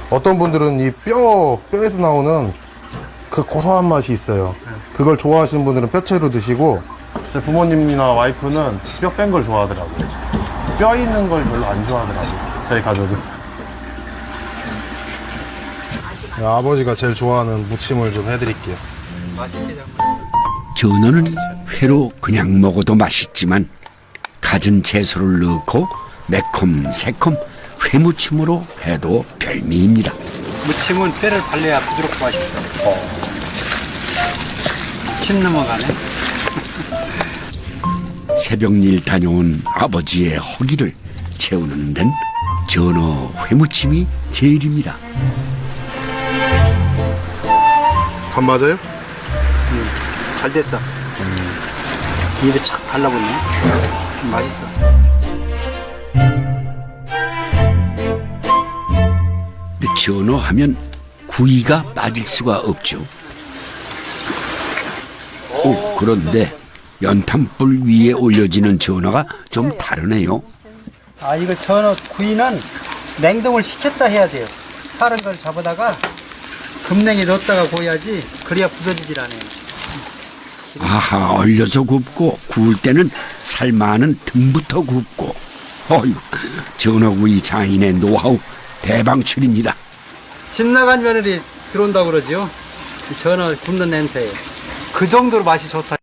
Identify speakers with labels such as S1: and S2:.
S1: 어떤 분들은 이 뼈에서 나오는 그 고소한 맛이 있어요. 그걸 좋아하시는 분들은 뼈채로 드시고, 제 부모님이나 와이프는 뼈 뺀 걸 좋아하더라고요. 뼈 있는 걸 별로 안 좋아하더라고요. 저희 가족은. 아버지가 제일 좋아하는 무침을 좀 해드릴게요.
S2: 전어는 회로 그냥 먹어도 맛있지만 갖은 채소를 넣고 매콤 새콤 회무침으로 해도 별미입니다.
S3: 무침은 뼈를 발라야 부드럽고 맛있어. 침 넘어가네.
S2: 새벽일 다녀온 아버지의 허기를 채우는 데는 전어 회무침이 제일입니다.
S1: 간 맞아요?
S3: 잘 됐어. 입에 착 발라붙네. 맛있어.
S2: 전어 하면 구이가 빠질 수가 없죠. 그런데 연탄불 위에 올려지는 전어가 좀 다르네요.
S3: 아, 이거 전어 구이는 냉동을 시켰다 해야 돼요. 사는 걸 잡아다가 급냉에 넣었다가 구워야지. 그래야 부서지질 않아요.
S2: 아하, 얼려서 굽고 구울 때는 삶아는 등부터 굽고. 어휴, 전어구이 장인의 노하우 대방출입니다.
S3: 집 나간 며느리 들어온다고 그러지요. 이 전어 굽는 냄새에. 그 정도로 맛이 좋다.